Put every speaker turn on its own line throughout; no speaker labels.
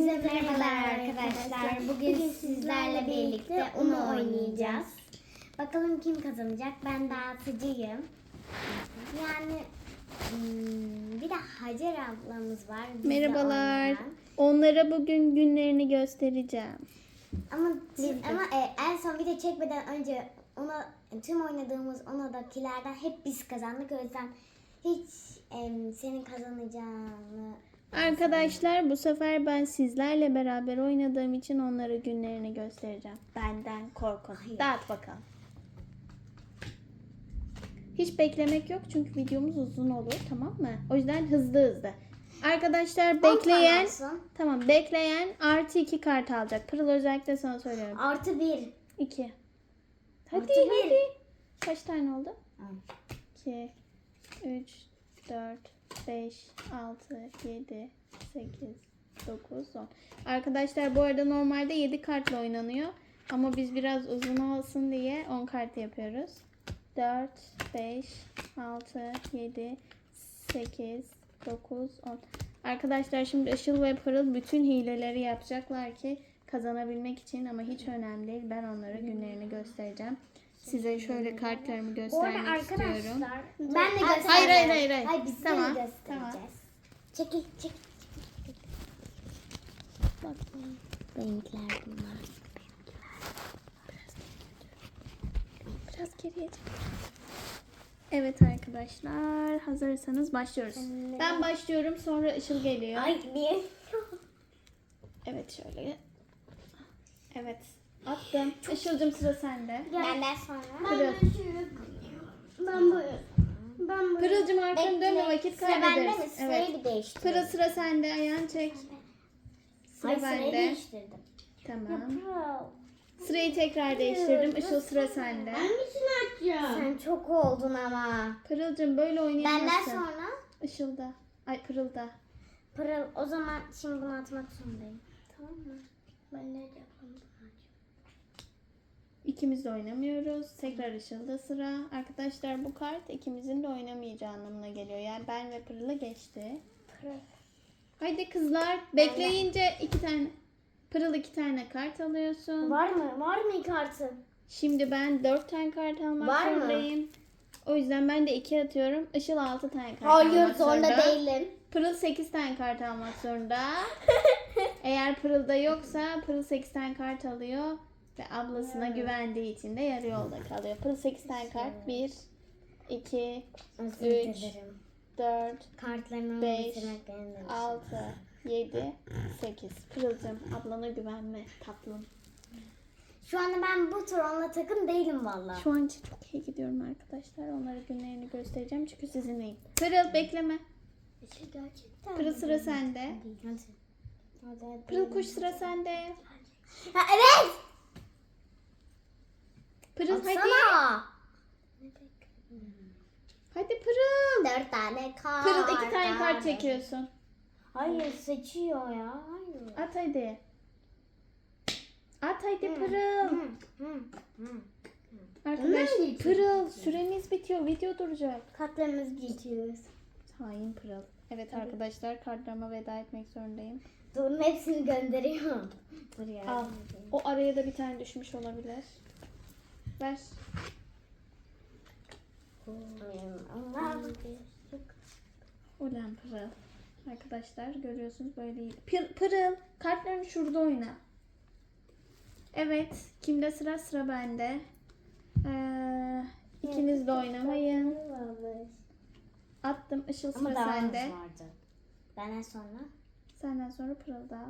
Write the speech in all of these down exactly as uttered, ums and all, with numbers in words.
Hepinize merhabalar arkadaşlar. Bugün sizlerle birlikte Uno oynayacağız. Bakalım kim kazanacak? Ben dağıtıcıyım. Yani hmm, bir de Hacer ablamız var. Biz de
Merhabalar.
oynayan.
Onlara bugün günlerini göstereceğim.
Ama biz, ama e, en son video çekmeden önce ona tüm oynadığımız Uno'dakilerden hep biz kazandık. O yüzden hiç e, senin kazanacağını
Arkadaşlar bu sefer ben sizlerle beraber oynadığım için onlara günlerini göstereceğim. Benden korkun.
Hayır.
Dağıt bakalım. Hiç beklemek yok çünkü videomuz uzun olur, tamam mı? O yüzden hızlı hızlı. Arkadaşlar bekleyen tamam bekleyen artı iki kart alacak. Pırıl özellikle sana söylüyorum.
Artı bir.
iki. Hadi
Artı bir.
hadi. Kaç tane oldu? iki, üç, dört, beş, altı, yedi, sekiz, dokuz, on. Arkadaşlar bu arada normalde yedi kartla oynanıyor. Ama biz biraz uzun olsun diye on kart yapıyoruz. dört, beş, altı, yedi, sekiz, dokuz, on. Arkadaşlar şimdi Işıl ve Pırıl bütün hileleri yapacaklar ki kazanabilmek için, ama hiç önemli değil. Ben onlara günlerini göstereceğim. Size şöyle kartlarımı
Bu arada
göstermek
arkadaşlar
istiyorum.
ben de göstereceğim.
Hayır hayır hayır. hayır.
Hayır biz
Tamam,
de göstereceğiz.
tamam.
Çekil çekil. Bak renkler bunlar.
Biraz geriye çek. Evet arkadaşlar, hazırsanız başlıyoruz.
Evet.
Ben başlıyorum, sonra Işıl geliyor.
Ay niye?
Evet şöyle. Evet. Attım. Işıl'cım sıra sende.
Benden sonra.
Pırıl.
Ben bu. Ben bu.
Pırıl'cım arkanı dönme, vakit
Sıra bende mi?
kaybederiz.
Sırayı
Evet.
bir değiştirdim.
Pırıl sıra sende, ayağını çek. Sıra
Hayır, sırayı
bende.
değiştirdim.
Tamam.
Pırıl.
Sırayı tekrar değiştirdim. Işıl sıra sende.
Hangisini açacağım? Sen çok oldun ama.
Pırıl'cım böyle oynayamazsın.
Benden sonra.
Işıl'da. Ay Pırıl'da.
Pırıl o zaman şimdi bunu atmak zorundayım. Tamam mı? Ben ne yapalım?
İkimiz de oynamıyoruz. Tekrar Işıl'da sıra. Arkadaşlar bu kart ikimizin de oynamayacağı anlamına geliyor. Yani ben ve Pırıl'ı geçti.
Pırıl.
Haydi kızlar. Bekleyince iki tane. Pırıl iki tane kart alıyorsun.
Var mı? Var mı kartın?
Şimdi ben dört tane kart almak
Var mı?
zorundayım. O yüzden ben de iki atıyorum. Işıl altı tane kart
Hayır
almak zorunda.
zorunda değilim.
Pırıl sekiz tane kart almak zorunda. Eğer Pırıl'da yoksa Pırıl sekiz tane kart alıyor. Ve ablasına güvendiği için de yarı yolda kalıyor. Pırıl sekiz tane kart. bir, iki,
Özür
üç,
dilerim.
dört,
Kartlarımı
beş,
bitirmek benim de işim.
altı, yedi, sekiz. Pırıl'cığım ablana güvenme tatlım.
Şu anda ben bu tur onunla takım değilim valla.
Şu an için çok iyi gidiyorum arkadaşlar. Onlara günlerini göstereceğim çünkü sizinleyim. Pırıl bekleme.
Şey gerçekten.
Pırıl sıra sende.
Hadi. Hadi.
Pırıl kuş sıra sende.
Ha, evet.
Pırıl hadi.
Atsana.
Hadi Pırıl.
Dört tane kart.
Pırıl iki tane kart çekiyorsun.
Hayır seçiyor ya. Hayır.
At hadi. At hadi Pırıl.
Hı, hı, hı.
Arkadaş
Onlar
Pırıl süremiz bitiyor. Video duracak.
Kartlarımızı geçiyoruz.
Hain Pırıl. Evet arkadaşlar, kartlarıma veda etmek zorundayım.
Dur hepsini gönderiyorum. Buraya.
Al. O araya da bir tane düşmüş olabilir. Ver.
Allah.
Ulan Pırıl. Arkadaşlar görüyorsunuz böyle değil. Pır, Pırıl kartlarını şurada oyna. Evet. Kimde sıra? Sıra bende. Ee, ikiniz de oynamayın. Attım. Işıl sıra
Ama daha
sende.
vardı. Benden sonra.
Senden sonra Pırıl'da.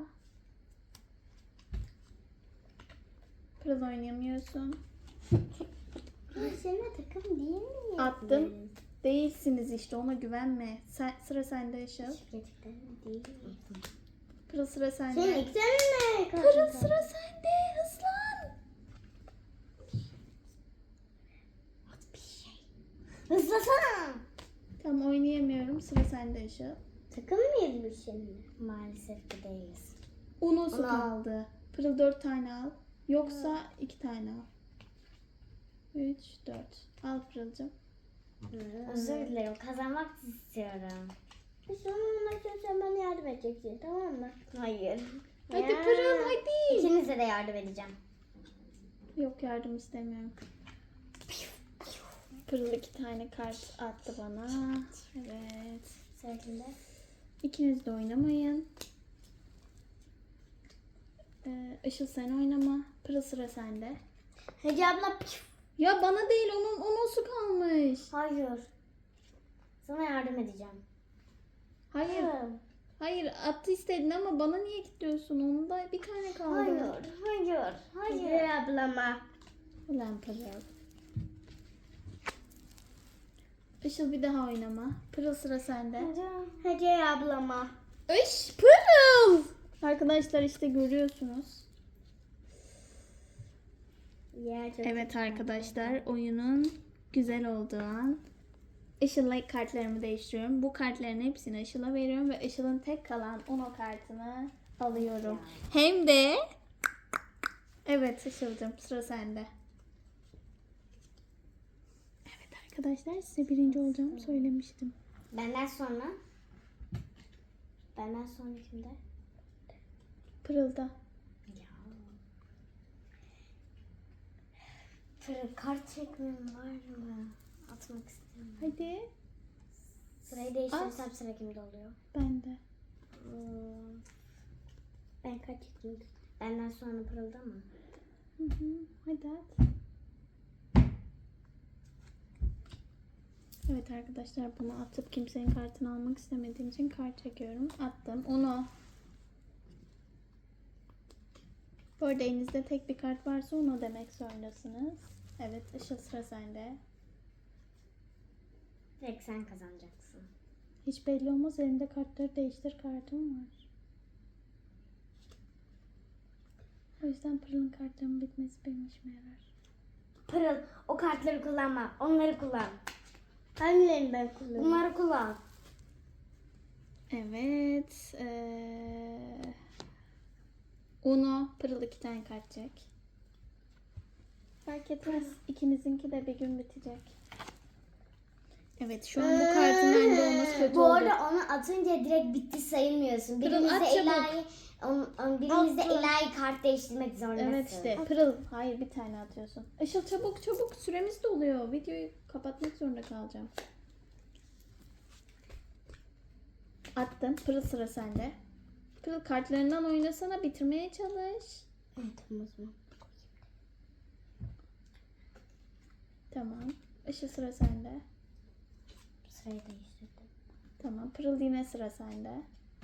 Pırıl oynayamıyorsun.
Seninle takım değil mi?
Attım. Değilsiniz işte, ona güvenme. Sen, sıra sende Işıl.
Gerçekten değil mi?
Pırıl sıra sende.
Senin iki tane mi?
Pırıl sıra sende. Hızlan.
At bir şey. Hızlasana.
Tamam oynayamıyorum. Sıra sende Işıl.
Takım mıyız biz şimdi? Maalesef ki değiliz.
Unosu
Uno.
kaldı. Pırıl dört tane al. Yoksa iki tane al. Üç, dört. Al Pırıl'cığım.
Özür dilerim. Kazanmak istiyorum. Sonra maçta sen bana yardım edeceksin, tamam mı? Hayır.
Hadi
Ya.
Pırıl hadi.
İkinize de yardım edeceğim.
Yok, yardım istemiyorum. Pırıl iki tane kart attı bana. Evet.
Sırasında.
İkiniz de oynamayın. Ee, Işıl sen oynama. Pırıl sıra sende.
Hece abla.
Ya bana değil, onun onun su kalmış.
Hayır. Sana yardım edeceğim.
Hayır.
Hayır.
Hayır, attı istedin ama bana niye kilitliyorsun? Onun da bir tane kaldı.
Hayır. Hayır. Hayır. Hece ablama.
Ulan Pırıl. Işıl bir daha oynama. Pırıl sıra sende.
Hece ablama.
Iş Pırıl. Arkadaşlar işte görüyorsunuz.
Ya, çok
Evet arkadaşlar, oyunun güzel olduğu an. Işıl'la kartlarımı değiştiriyorum. Bu kartların hepsini Işıl'a veriyorum ve Işıl'ın tek kalan Uno kartını alıyorum. Hem de evet Işıl'cığım, sıra sende. Evet arkadaşlar, size birinci olacağımı söylemiştim.
Benden sonra. Benden sonra kimde?
Pırıl'da.
Ya. Fırın kart çekmem var mı? Atmak istemiyorum.
Hadi.
Sırayı değiştirirsem sıra kimde oluyor?
Ben de.
Hmm. Ben kaç çekeyim? Benden sonra Pırıl'da mı?
Hı hı. Hadi at. Evet arkadaşlar, bunu atıp kimsenin kartını almak istemediğim için kart çekiyorum. Attım. Onu. Bu arada elinizde tek bir kart varsa onu demek zorundasınız. Evet, Işıl sıra sende.
Direkt sen kazanacaksın.
Hiç belli olmaz, elinde kartları değiştir kartım var. O yüzden Pırıl'ın kartlarının bitmesi benim işime yarar.
Pırıl, o kartları kullanma. Onları kullan. Hangilerini ben kullanıyorum? Bunları kullan.
Evet. Ee... Uno, Pırıl iki tane kart çek. Fark etmez. İkinizinki de bir gün bitecek. Evet, şu an bu kartın bende olması kötü
Bu
oldu.
arada onu atınca direkt bitti sayılmıyorsun.
Pırıl,
Birimizde
at çabuk.
ilahi, on, on, birimizde
Attım.
ilahi kart değiştirmek zorundasın.
Evet işte, Pırıl. Hayır, bir tane atıyorsun. Işıl çabuk çabuk, süremiz doluyor. Videoyu kapatmak zorunda kalacağım. Attım. Pırıl sıra sende. Pırıl kartlarından oynasana, bitirmeye çalış.
Evet, tamam o zaman.
Tamam. Işıl sıra sende.
Sırayı değiştirdim.
Tamam. Pırıl yine sıra sende.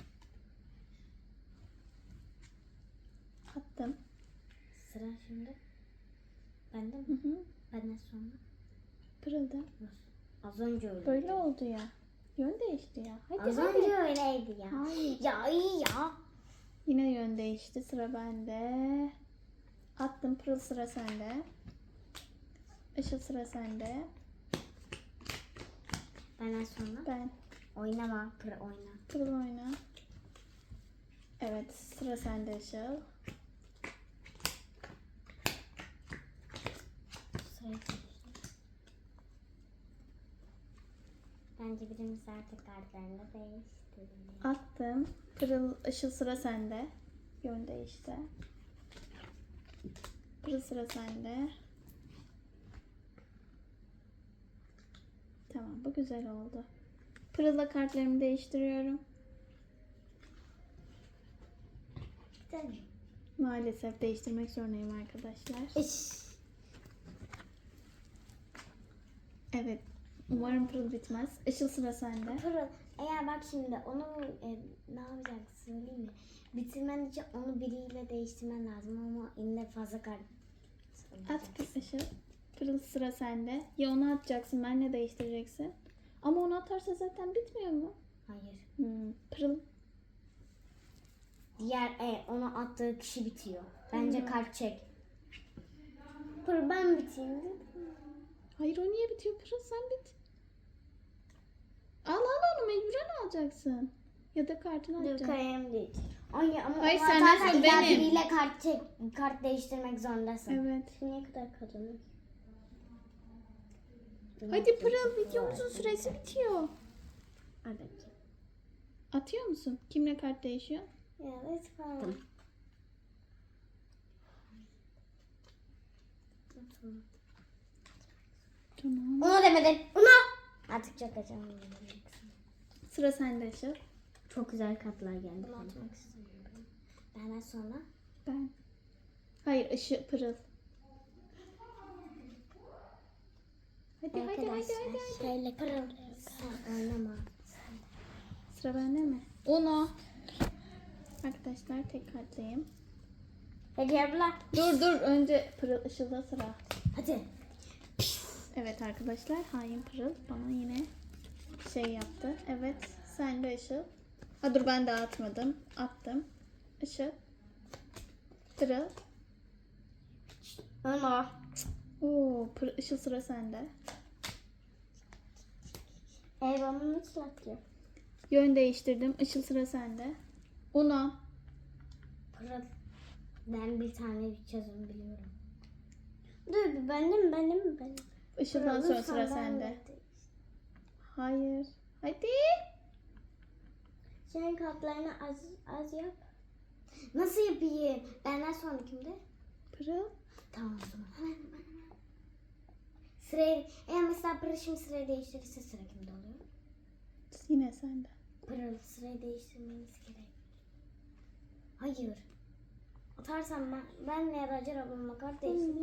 Attım.
Sıra şimdi. Bende mi?
Hı hı.
Benden sonra.
Pırıl'da.
Az önce öyle.
Böyle oldu ya. Yön değişti ya. Hadi
Az
hadi.
önce öyleydi ya.
Hayır.
Ya iyi ya.
Yine yön değişti. Sıra bende. Attım. Pırıl sıra sende. Işıl sıra sende.
Benden sonra.
Ben.
Oynama. Pır oyna.
Pırıl oyna. Evet. Sıra sende Işıl.
Sırayı değiştir. Bence birimiz artık kartlarını da değiştirelim.
Attım. Pırıl, Işıl sıra sende. Yön değişti. Pırıl sıra sende. Tamam, bu güzel oldu. Pırıl'la kartlarımı değiştiriyorum.
Güzel mi?
Maalesef değiştirmek zorundayım arkadaşlar.
İş.
Evet. Umarım Pırıl bitmez. Işıl sıra sende.
Pırıl, eğer bak şimdi onu e, ne yapacaksın söyleyeyim mi? Bitirmen için onu biriyle değiştirmen lazım ama yine fazla kart.
At bir Işıl. Pırıl sıra sende. Ya onu atacaksın, benle değiştireceksin. Ama onu atarsa zaten bitmiyor mu?
Hayır.
Hmm. Pırıl.
Diğer e, onu attığı kişi bitiyor. Bence
Hmm.
kart çek. Pırıl ben biteyim.
Hayır, o niye bitiyor? Pırıl sen bit. Al al onu, mecburen alacaksın. Ya da kartını
Dur
atacaksın.
kalem değil. Ay ama
Hayır,
onu
sen
atarsan
nasıl?
illa
Benim.
biriyle kart çek, kart değiştirmek zorundasın.
Evet.
Şimdiye kadar kazanır.
Hadi Pırıl, videomuzun süresi bitiyor.
Evet.
Atıyor musun? Kimle kart değişiyor?
Ya lütfen.
Tamam.
Onu demedin. Onu. Artık çok acayip.
Sıra sende Işıl.
Çok güzel katlar geldi. Bunu atmak istemiyorum. Benden sonra.
Ben. Hayır Işıl Pırıl. Hadi hadi hadi
Arkadaşlar
hadi. hadi.
şöyle pırıl. Sen oynama.
Sıra bende mi? Uno. Arkadaşlar tek kartlayayım.
Hadi abla.
Dur dur önce Pırıl Işıl'da sıra.
Hadi.
Evet arkadaşlar hain Pırıl bana yine şey yaptı. Evet sen de Işıl. Ha dur ben de atmadım. Attım. Işıl. Pırıl.
Onu.
Oo, Pırıl, Işıl sıra sende.
Ee ben bunu nasıl atacağım?
Yön değiştirdim. Işıl sıra sende. Uno.
Pırıl. Ben bir tane bir çözüm biliyorum. Dur bir bende mi bende mi bende mi?
Işıl'dan
Pırıl,
sonra
lütfen
sıra
ben
sende.
de-
Hayır. Hadi.
Senin kartlarını az az yap. Nasıl yapayım? Benden sonra kimde?
Pırıl.
Tamam o zaman. Hemen hemen hemen. Sırayı, eğer mesela Pırıl şimdi sırayı değiştirirse sıra kimde oluyor?
Yine sende.
Pırıl sırayı değiştirmeniz gerek. Hayır. Atarsam ben, benle ya da Hacer ablamla kart değiştir.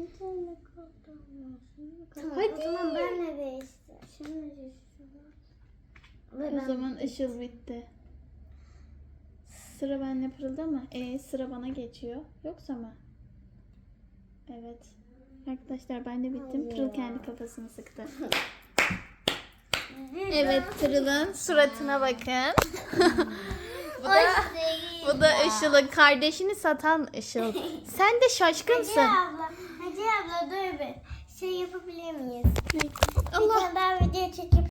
Tamam
Hadi.
o zaman benle değiştir. Şimdi değiştir. Ve
O
ben-
zaman Işıl bitti. Sıra benle Pırıl'da mı? E sıra bana geçiyor. Yoksa mı? Evet. Arkadaşlar ben de bittim. Pırıl kendi kafasını sıktı. Evet Pırıl'ın suratına bakın. bu da, bu da Işıl'ın kardeşini satan Işıl. Sen de şaşkınsın.
Hacer abla, Hacer abla dur bir. Şey yapabilir miyiz?
Allah.
Bir tane daha video çekip